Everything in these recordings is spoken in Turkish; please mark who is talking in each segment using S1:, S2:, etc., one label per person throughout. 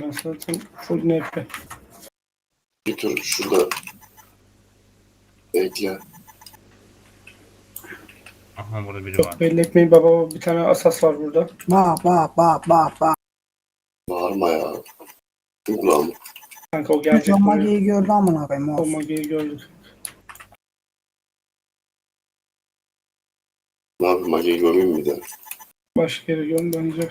S1: ben zaten full NP.
S2: Bir tur şurada bekle.
S3: Aha burada biri
S1: Çok
S3: var.
S1: belli etmeyin baba, bir tane asas var burada.
S4: Bak.
S2: Bağırma ya. Ulan
S1: Kanka o gelecek buraya.
S4: Mage'yi gördü amına koyayım.
S1: O
S4: Olsun.
S1: Magi'yi gördük.
S2: ne yapayım, Mage'yi gömeyim mi de?
S1: Başka yere göm bence.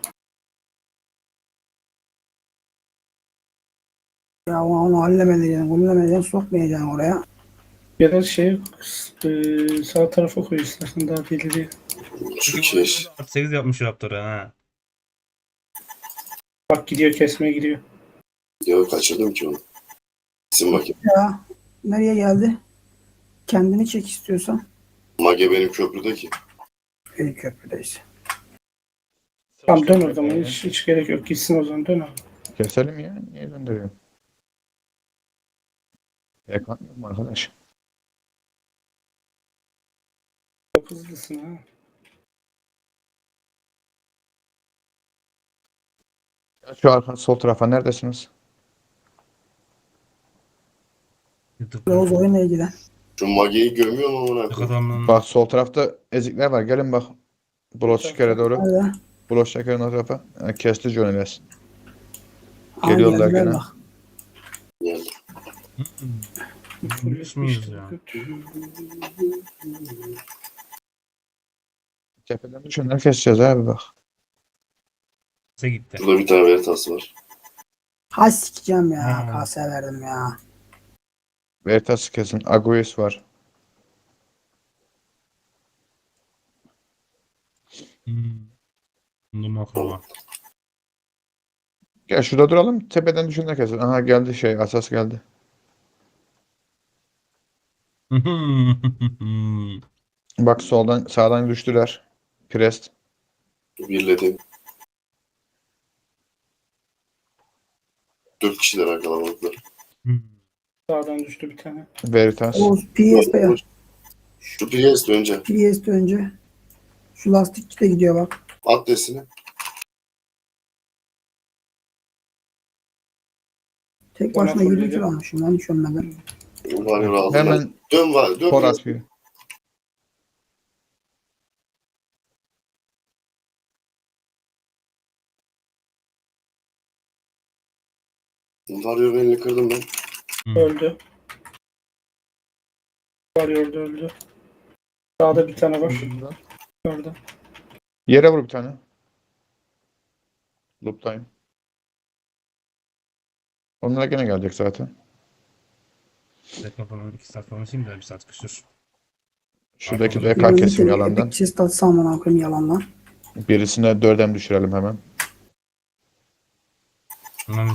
S4: Ya onu hallemedeceksin, güllemedeceksin, sokmayacaksın oraya.
S1: Ya da sağ tarafa koy istersen, daha ileri.
S2: Şu keş.
S3: 8 yapmış Raptor'a ha.
S1: Bak gidiyor, kesmeye gidiyor.
S2: Ya kaçırdım ki onu. Bizim Mage.
S4: Ya nereye geldi? Kendini çek istiyorsan.
S2: Mage benim köprüde ki.
S4: İyi köprüdeyiz.
S1: Tamam dön o zaman, hiç gerek yok, gitsin o zaman, dön abi.
S5: Keselim ya. Niye döndürüyorum? Yaklanmıyorum arkadaş.
S1: Çok hızlısın ha.
S5: Ya şu arka sol tarafa neredesiniz?
S4: Yavuz oyunla ilgilen.
S2: Şu Mage'yi gömüyor mu ona?
S3: Adamın
S5: Bak sol tarafta ezikler var. Gelin bak. Bulos şekere doğru.
S4: Nerede?
S5: Bulos şekerin o tarafa. Yani kesti Johnny'les.
S4: Aha,
S5: Geliyorlar
S4: geldiler
S5: gene.
S4: bak.
S2: Yani.
S3: Polis miyiz ya?
S5: Tepeden düşünler keseceğiz abi bak.
S3: Size gitti.
S2: Şurada bir tane Veritas var.
S4: Ha sikeceğim ya.
S3: Hmm.
S4: Kase verdim ya.
S5: Veritas kesin. Aguis var.
S3: Bunu makro.
S5: Gel şurada duralım. Tepeden düşünler kesin. Aha geldi şey. Asas geldi. Bak soldan sağdan düştüler. Prest.
S2: Birledim. 4 kişiler arkalamaklar.
S1: Sağdan düştü bir tane.
S5: Veritas.
S4: Oğuz PS'de ya.
S2: Şu PS önce.
S4: PS'de önce. Şu lastikçi de gidiyor bak.
S2: At desini.
S4: Tek
S1: Bana
S4: başına
S1: full
S4: 20
S1: dedi.
S4: kilo almışım lan hiç ölmeden.
S2: Var aldılar.
S5: Hemen
S2: Dön var. Dön.
S5: tor
S2: biraz.
S5: atıyor.
S2: Varıyor, elini kırdım ben.
S1: Öldü. Varıyor, öldü. Sağda bir tane var. Orada.
S5: Yere vur bir tane. Loop'tayım. Onlar gene gelecek zaten.
S3: Dakika falan 2 saat falan şimdi de 1 saat kışır.
S5: Şuradaki
S3: Arkadaşlar.
S5: DK kesim yalandan.
S4: Epic chest atsam amına koyayım yalandan.
S5: Birisine 4'em düşürelim hemen.
S3: Hemen